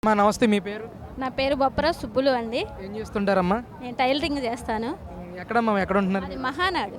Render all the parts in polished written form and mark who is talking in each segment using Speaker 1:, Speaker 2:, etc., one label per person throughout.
Speaker 1: అమ్మా నమస్తే, మీ పేరు?
Speaker 2: నా పేరు బొప్పర సుబ్బులు అండి.
Speaker 1: ఏం చేస్తుంటారమ్మా?
Speaker 2: నేను టైలరింగ్ చేస్తాను.
Speaker 1: ఎక్కడమ్మా, ఎక్కడ ఉంటున్నారు?
Speaker 2: అది మహానాడు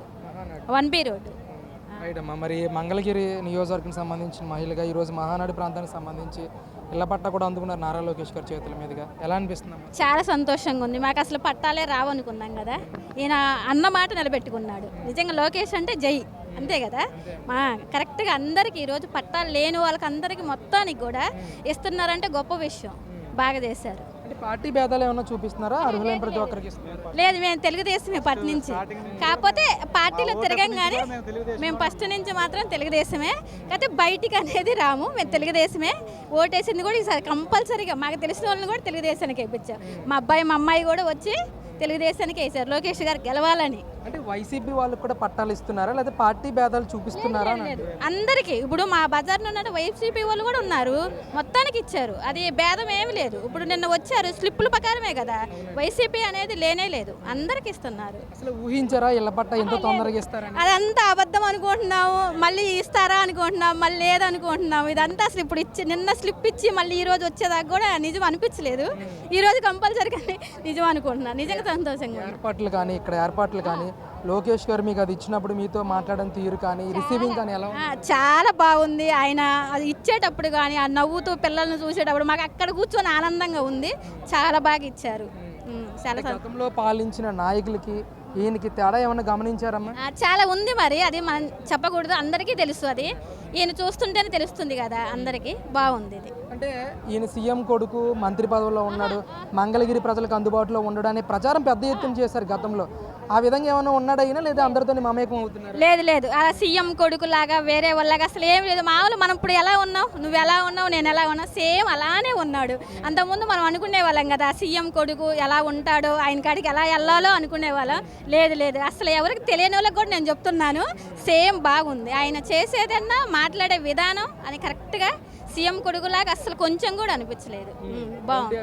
Speaker 2: 1B రోడ్.
Speaker 1: రైట్ అమ్మా. మరి మంగళగిరి నియోజకవర్గం సంబంధించిన మహిళగా ఈరోజు మహానాడు ప్రాంతానికి సంబంధించి ఇళ్ల పట్టా కూడా అందుకున్నారు నారా లోకేష్ గారి చేతుల మీదుగా. ఎలా అనిపిస్తుందమ్మా?
Speaker 2: చాలా సంతోషంగా ఉంది. మాకు అసలు పట్టాలే రావనుకున్నాం కదా, ఈయన అన్న మాట నిలబెట్టుకున్నాడు. నిజంగా లోకేష్ అంటే జై, అంతే కదా. మా కరెక్ట్గా అందరికీ ఈరోజు పట్టాలు లేని వాళ్ళకి అందరికీ మొత్తానికి కూడా ఇస్తున్నారంటే గొప్ప విషయం. బాగా చేశారు.
Speaker 1: అంటే పార్టీ భేదాలు ఏమన్నా చూపిస్తున్నారా? అర్హులైన ప్రతి ఒక్కరికి ఇస్తున్నారు?
Speaker 2: లేదు, మేము తెలుగుదేశమే పట్టి నుంచి. కాకపోతే పార్టీలో తిరగం కానీ మేము ఫస్ట్ నుంచి మాత్రం తెలుగుదేశమే. కాకపోతే బయటికి అనేది రాము, మేము తెలుగుదేశమే. ఓటేసింది కూడా ఈసారి కంపల్సరీగా మాకు తెలిసిన వాళ్ళని కూడా తెలుగుదేశానికి వేయించాం. మా అబ్బాయి మా అమ్మాయి కూడా వచ్చి తెలుగుదేశానికి వేశారు, లోకేష్ గారు గెలవాలని.
Speaker 1: అంటే వైసీపీ వాళ్ళకి కూడా పట్టాలు ఇస్తున్నారా, లేదా పార్టీ భేదాలు చూపిస్తున్నారా?
Speaker 2: అందరికీ ఇప్పుడు మా బజార్లో ఉన్న వైసీపీ వాళ్ళు కూడా ఉన్నారు, మొత్తానికి ఇచ్చారు. అది భేదం ఏమి లేదు. ఇప్పుడు నిన్న వచ్చారు స్లిప్పుల ప్రకారమే కదా, వైసీపీ అనేది లేనే లేదు, అందరికి ఇస్తున్నారు.
Speaker 1: అసలు ఊహించారా ఇళ్ల పట్టా ఎంతో తొందరగా ఇస్తారని?
Speaker 2: అదంతా అబద్ధం అనుకుంటున్నాము, మళ్ళీ ఇస్తారా అనుకుంటున్నాం, మళ్ళీ లేదనుకుంటున్నాము. ఇదంతా అసలు ఇప్పుడు ఇచ్చి నిన్న స్లిప్ ఇచ్చి మళ్ళీ ఈ రోజు వచ్చేదాకా కూడా నిజం అనిపించలేదు. ఈ రోజు కంపల్సరీగా నిజం అనుకుంటున్నాను. నిజంగా సంతోషంగా.
Speaker 1: ఏర్పాట్లు కానీ ఇక్కడ ఏర్పాట్లు కానీ లోకేష్ గారు మీకు అది ఇచ్చినప్పుడు మీతో మాట్లాడడం తీరు కానీ రిసీవింగ్ కానీ ఎలా?
Speaker 2: చాలా బాగుంది. ఆయన అది ఇచ్చేటప్పుడు కానీ ఆ నవ్వుతూ పిల్లల్ని చూసేటప్పుడు మాకు అక్కడ కూర్చొని ఆనందంగా ఉంది. చాలా బాగా ఇచ్చారు. చాలా
Speaker 1: గతంలో పాలించిన నాయకులకి ఈయనకి తేడా ఏమన్నా గమనించారమ్మా?
Speaker 2: చాలా ఉంది. మరి అది మనం చెప్పకూడదు, అందరికీ తెలుసు. అది ఈయన చూస్తుంటేనే తెలుస్తుంది కదా అందరికీ. బాగుంది ఇది.
Speaker 1: అంటే ఈయన సీఎం కొడుకు మంత్రి పదవిలో ఉన్నాడు, మంగళగిరి ప్రజలకు అందుబాటులో ఉండడానికి ప్రచారం పెద్ద ఎత్తున చేశారు గతంలో. ఆ విధంగా ఏమైనా ఉన్నాడా ఈయన, లేదా అందరితో మమేకం అవుతున్నారు?
Speaker 2: లేదు లేదు, అలా సీఎం కొడుకులాగా వేరే వాళ్ళగా అసలు ఏం లేదు. మామూలు మనం ఇప్పుడు ఎలా ఉన్నావు, నువ్వు ఎలా ఉన్నావు, నేను ఎలా ఉన్నా, సేమ్ అలానే ఉన్నాడు. అంతకుముందు మనం అనుకునే వాళ్ళం కదా సీఎం కొడుకు ఎలా ఉంటాడో, ఆయన కాడికి ఎలా వెళ్ళాలో అనుకునే వాళ్ళం. లేదు లేదు, అసలు ఎవరికి తెలియని వాళ్ళకి కూడా నేను చెప్తున్నాను, సేమ్ బాగుంది. ఆయన చేసేదన్నా మాట్లాడే విధానం అని కరెక్ట్గా సీఎం కొడుకులాగా అసలు కొంచెం కూడా అనిపించలేదు. బాగుంది.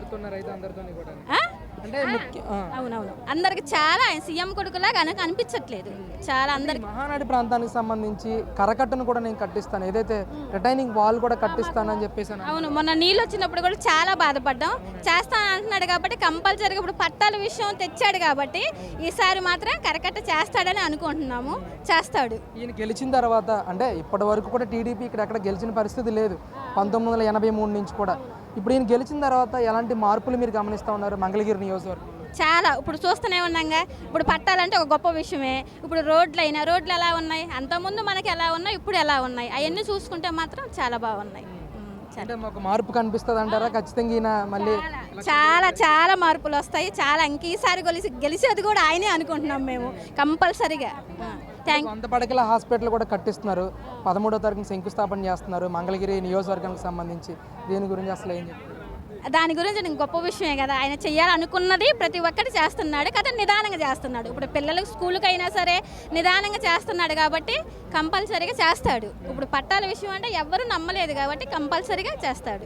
Speaker 2: అవునవును, అందరికి చాలా ఆయన సీఎం కొడుకులాగా అనిపించట్లేదు. చాలా అందరికి.
Speaker 1: మహానాడు ప్రాంతానికి సంబంధించి కరకట్టను కూడా నేను కట్టిస్తాను, ఏదైతే రిటైనింగ్ వాల్ కూడా కట్టిస్తానని చెప్పేసి.
Speaker 2: అవును, మొన్న నీళ్ళు వచ్చినప్పుడు కూడా చాలా బాధపడ్డాం. చేస్తాను అంటున్నాడు కాబట్టి కంపల్సరీగా ఇప్పుడు పట్టాల విషయం తెచ్చాడు కాబట్టి ఈసారి మాత్రం కరకట్ట చేస్తాడని అనుకుంటున్నాము. చేస్తాడు.
Speaker 1: ఈయన గెలిచిన తర్వాత, అంటే ఇప్పటి వరకు కూడా టీడీపీ ఇక్కడ ఎక్కడ గెలిచిన పరిస్థితి లేదు 1983 నుంచి కూడా. ఇప్పుడు ఈయన గెలిచిన తర్వాత ఎలాంటి మార్పులు మీరు గమనిస్తూ ఉన్నారు మంగళగిరి నియోజకవర్గం?
Speaker 2: చాలా. ఇప్పుడు చూస్తూనే ఉన్నాగా, ఇప్పుడు పట్టాలంటే ఒక గొప్ప విషయమే. ఇప్పుడు రోడ్లు ఎలా ఉన్నాయి, అంతకుముందు మనకి ఎలా ఉన్నాయి, ఇప్పుడు ఎలా ఉన్నాయి, అవన్నీ చూసుకుంటే మాత్రం చాలా బాగున్నాయి.
Speaker 1: అంటే మాకు మార్పు కనిపిస్తుంది అంటారా? ఖచ్చితంగా ఈయన మళ్ళీ
Speaker 2: చాలా చాలా మార్పులు వస్తాయి. చాలా ఈసారి గెలిచేది కూడా ఆయనే అనుకుంటున్నాం మేము కంపల్సరీగా.
Speaker 1: వంద పడకల హాస్పిటల్ కూడా కట్టిస్తున్నారు, 13వ తారీఖున శంకుస్థాపన చేస్తున్నారు మంగళగిరి నియోజకవర్గానికి సంబంధించి. దీని గురించి అసలు ఏం చెప్తారు?
Speaker 2: దాని గురించి నేను గొప్ప విషయమే కదా, ఆయన చేయాలనుకున్నది ప్రతి ఒక్కటి చేస్తున్నాడు కదా, నిదానంగా చేస్తున్నాడు. ఇప్పుడు పిల్లలకు స్కూల్కి అయినా సరే నిదానంగా చేస్తున్నాడు కాబట్టి కంపల్సరీగా చేస్తాడు. ఇప్పుడు పట్టాల విషయం అంటే ఎవరు నమ్మలేదు కాబట్టి కంపల్సరీగా చేస్తాడు.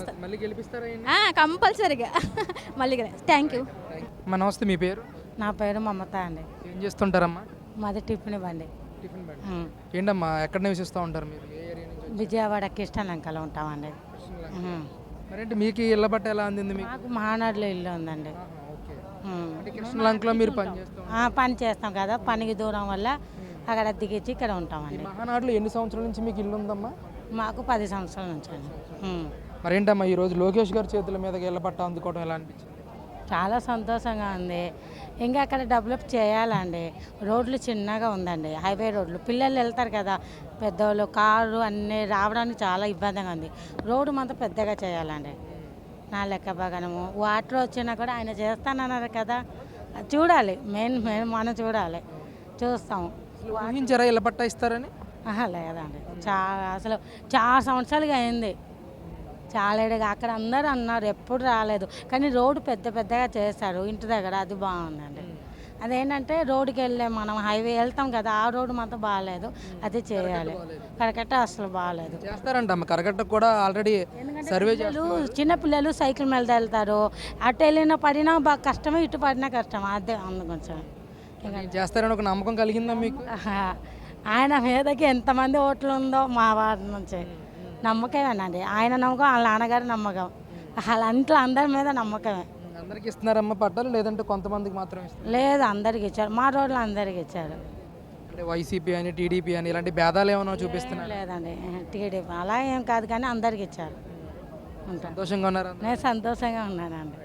Speaker 2: కంపల్సరీగా మళ్ళీ. Thank you.
Speaker 1: నమస్తే, మీ పేరు?
Speaker 3: నా పేరు మమత అండి.
Speaker 1: ఏం చేస్తుంటారమ్మా?
Speaker 3: మాది టిఫిన్ బండి.
Speaker 1: ఏంటమ్మా, ఎక్కడ నివసిస్తూ ఉంటారు మీరు?
Speaker 3: విజయవాడ కిష్టలంకలో ఉంటామండి.
Speaker 1: మరేంటి మీకు ఇళ్ళ పట్ట ఎలా అందింది?
Speaker 3: మాకు మహానాడులో ఇల్లు ఉందండి.
Speaker 1: కృష్ణలంకలో మీరు
Speaker 3: పని చేస్తాం కదా, పనికి దూరం వల్ల అక్కడ దిగిచ్చి ఇక్కడ ఉంటామండి.
Speaker 1: మహానాడులో ఎన్ని సంవత్సరాల నుంచి మీకు ఇల్లు ఉందమ్మా?
Speaker 3: మాకు 10 సంవత్సరాల నుంచి అండి.
Speaker 1: మరేంటమ్మా ఈరోజు లోకేష్ గారి చేతుల మీద ఇళ్ళ పట్ట అందుకోవడం ఎలా అనిపించింది?
Speaker 3: చాలా సంతోషంగా ఉంది. ఇంకా అక్కడ డెవలప్ చేయాలండి. రోడ్లు చిన్నగా ఉందండి, హైవే రోడ్లు. పిల్లలు వెళ్తారు కదా, పెద్దవాళ్ళు కారు అన్నీ రావడానికి చాలా ఇబ్బందిగా ఉంది. రోడ్డు మాత్రం పెద్దగా చేయాలండి. నా లెక్క బాగానము వాటర్ వచ్చినా కూడా ఆయన చేస్తానన్నారు కదా, చూడాలి. మెయిన్ మనం చూడాలి, చూస్తాము.
Speaker 1: ఊహించారా ఇళ్ళ పట్ట ఇస్తారని?
Speaker 3: లేదండి, అసలు చాలా సంవత్సరాలుగా అయింది. చాలా అక్కడ అందరూ అన్నారు, ఎప్పుడు రాలేదు. కానీ రోడ్డు పెద్దగా చేశారు ఇంటి దగ్గర, అది బాగుందండి. అదేంటంటే రోడ్డుకి వెళ్ళే మనం హైవే వెళ్తాం కదా, ఆ రోడ్డు మాత్రం బాగాలేదు, అది చేయాలి. కరకట్ట అసలు బాగాలేదు.
Speaker 1: చేస్తారంట కరకట్ట కూడా ఆల్రెడీ సర్వే చేస్తారు.
Speaker 3: చిన్నపిల్లలు సైకిల్ మీద వెళ్తారు, అటు వెళ్ళినా పడినా బాగా కష్టమే, ఇటు పడినా కష్టం. అదే అందు కొంచెం
Speaker 1: చేస్తారని ఒక నమ్మకం కలిగిందా మీకు?
Speaker 3: ఆయన మీదకి ఎంతమంది ఓట్లు ఉందో మా వారి నుంచి నమ్మకమేనండి. ఆయన నమ్మకం, వాళ్ళ నాన్నగారి నమ్మకం, అలా ఇంట్లో అందరి మీద నమ్మకమే.
Speaker 1: అందరికి ఇస్తున్నారమ్మా పట్టాలు, లేదంటే కొంతమందికి మాత్రం ఇస్తారు?
Speaker 3: లేదు, అందరికి ఇచ్చారు, మా రోడ్లు అందరికి ఇచ్చారు.
Speaker 1: అంటే వైసీపీ అని టీడీపీ అని ఇలాంటి భేదాలు ఏమైనా చూపిస్తున్నారు?
Speaker 3: లేదండి, టీడీపీ అలా ఏం కాదు కానీ అందరికి ఇచ్చారు. ఉంటాను,
Speaker 1: సంతోషంగా ఉన్నారా?
Speaker 3: నేను సంతోషంగా ఉన్నానండి.